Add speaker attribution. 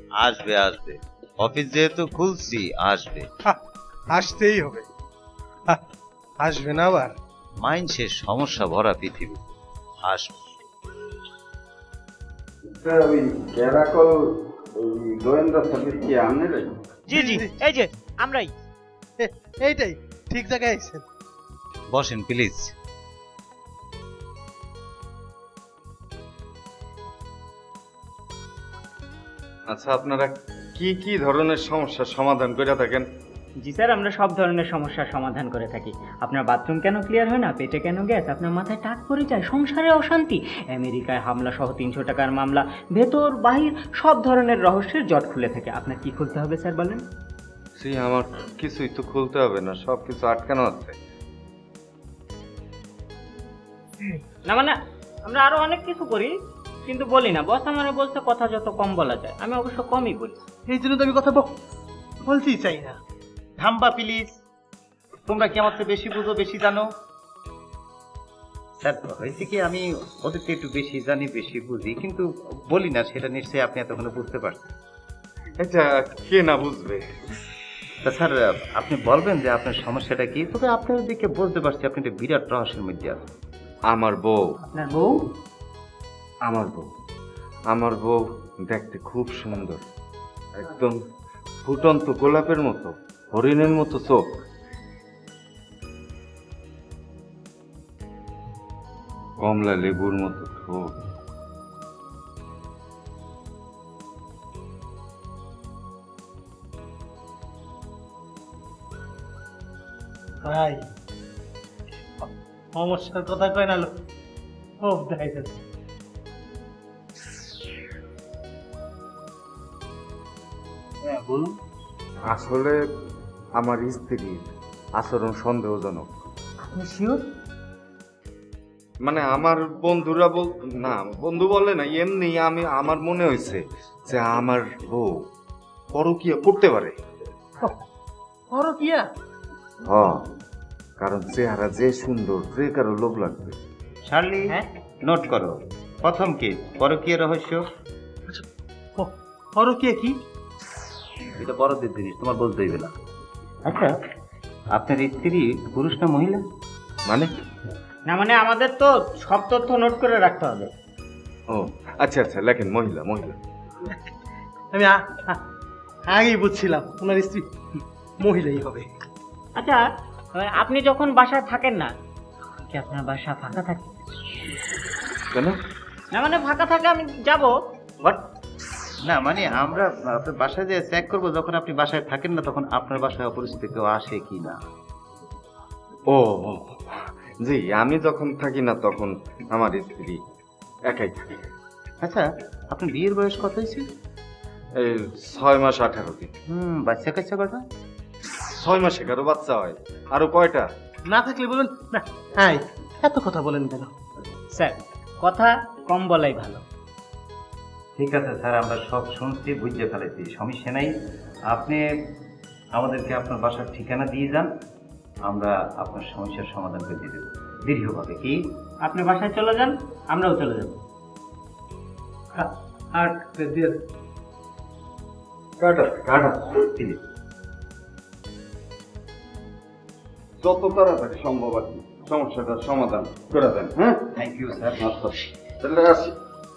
Speaker 1: আসবে আসবে, অফিস যেহেতু খুলছি আসবে।
Speaker 2: আসতেই হবে। আসবে না আবার?
Speaker 1: মাইন্ডসের সমস্যা ভরা পৃথিবী, আসবে।
Speaker 3: ওই ক্যারাকল ওই গোয়েন্দা সার্ভিস কি আপনারাই?
Speaker 4: জি জি, এই যে আমরাই।
Speaker 2: এইটাই ঠিক জায়গায় আইছেন।
Speaker 1: বসেন প্লিজ।
Speaker 3: আচ্ছা, আপনারা কি কি ধরনের সমস্যার সমাধান করে থাকেন?
Speaker 4: জি স্যার, আমরা সব ধরনের সমস্যার সমাধান করে থাকি। আপনার বাথরুম কেন ক্লিয়ার হয় না, পেটে কেন গ্যাস, আপনার মাথায় টাক পড়ে যায়, সংসারে অশান্তি, আমেরিকায় হামলা সহ 300 টাকার মামলা, ভেতর বাহির সব ধরনের রহস্যের জট খুলে থাকে। আপনার কি খুলতে হবে স্যার বলেন?
Speaker 3: আমার কিছুই তো খুলতে হবে না, সব কিছু আটকানো আছে।
Speaker 4: না মানে আমরা আরো অনেক কিছু করি, কিন্তু বলি না। বস আমার বলতে কথা যত কম বলা যায়, আমি অবশ্য কমই বলি।
Speaker 2: এই জন্য তো আমি কথা বলতেই চাই না।
Speaker 5: থাম্বা প্লিজ, তোমরা কি আমার চেয়ে বেশি বুঝো, বেশি জানো? স্যার, হয়েছে কি, আমি ওদের থেকে একটু বেশি জানি, বেশি বুঝি, কিন্তু বলি না। সেটা নিশ্চয়ই আপনি এতক্ষণে বুঝতে পারছেন।
Speaker 3: এটা কে না বুঝবে?
Speaker 5: তা স্যার, আপনি বলবেন যে আপনার সমস্যাটা কি? তবে আপনার দিকে বুঝতে পারছি আপনি একটা বিরাট রহস্যের মধ্যে আছেন।
Speaker 3: আমার বউ,
Speaker 4: আপনার বউ?
Speaker 3: আমার বউ, আমার বউ দেখতে খুব সুন্দর, একদম ফুটন্ত গোলাপের মতো, হরিণের মতো চোখ, কমলা লেবুর মতো ঠোঁট,
Speaker 2: ভাই, সমস্যার কথা কয় না লোক। ও দেখাইতেছে। হ্যাঁ বলুন।
Speaker 3: আসলে আমার স্ত্রীর আচরণ সন্দেহজনক।
Speaker 2: আপনি শিওর?
Speaker 3: মানে আমার বন্ধুরা না, বন্ধু বলে না, এমনি আমার মনে হয়েছে যে আমার বউ পরকীয়া করতে পারে।
Speaker 2: পরকিয়া?
Speaker 3: হ্যাঁ, কারণ চেহারা যে সুন্দর, যে কারো লোভ লাগবে।
Speaker 5: শার্লি,
Speaker 4: হ্যাঁ?
Speaker 5: নোট করো। প্রথম কি পরকীয়া রহস্য?
Speaker 2: পরকিয়া কি?
Speaker 5: এটা বড়দের জিনিস, তোমার বলতে হইবে না। আচ্ছা, আপনার স্ত্রী পুরুষ না মহিলা?
Speaker 3: মানে?
Speaker 4: না মানে আমাদের তো সব তথ্য নোট করে রাখতে হবে।
Speaker 3: ও আচ্ছা আচ্ছা, লেখেন মহিলা। মহিলা
Speaker 2: আমি আগেই বুঝছিলাম ওনার স্ত্রী মহিলাই হবে।
Speaker 4: আচ্ছা, আপনি যখন বাসায় থাকেন না, কি আপনার বাসা ফাঁকা থাকে?
Speaker 3: কেন?
Speaker 4: না মানে ফাঁকা থাকে, আমি যাব।
Speaker 5: বাট না মানে আমরা আপনার বাসায় যে চেক করবো, যখন আপনি বাসায় থাকেন না তখন আপনার বাসায় অপরিচিত কেউ আসে কি না।
Speaker 3: ও ও, জি, আমি যখন থাকি না তখন আমার স্ত্রী একাই থাকে।
Speaker 5: আচ্ছা, আপনার বিয়ের বয়স কত হয়েছে?
Speaker 3: এই 6 মাস 18 দিন।
Speaker 5: বাচ্চা কাচ্চা কটা?
Speaker 3: 6 মাসে কারো বাচ্চা হয়, আরো কয়টা?
Speaker 2: না থাকলে বলুন না। হ্যাঁ, এত কথা বলেন কেন?
Speaker 4: স্যার, কথা কম বলাই ভালো।
Speaker 5: ঠিক আছে স্যার, আমরা সব শুনছি, বুঝতে ফেলেছি, সমস্যা নাই। আপনি আমাদেরকে আপনার বাসার ঠিকানা দিয়ে যান, আমরা আপনার সমস্যার সমাধান করে দিয়ে দেবো দীর্ঘভাবে। কি
Speaker 4: আপনি বাসায় চলে যান, আমরাও চলে যাব।
Speaker 2: আর দিয়ে
Speaker 3: কাটা কাটা,
Speaker 5: প্লিজ।
Speaker 3: যত তাড়াতাড়ি সম্ভব আর কি সমস্যাটার সমাধান করে দেন। হ্যাঁ,
Speaker 5: থ্যাংক ইউ স্যার।
Speaker 3: তাহলে আসি।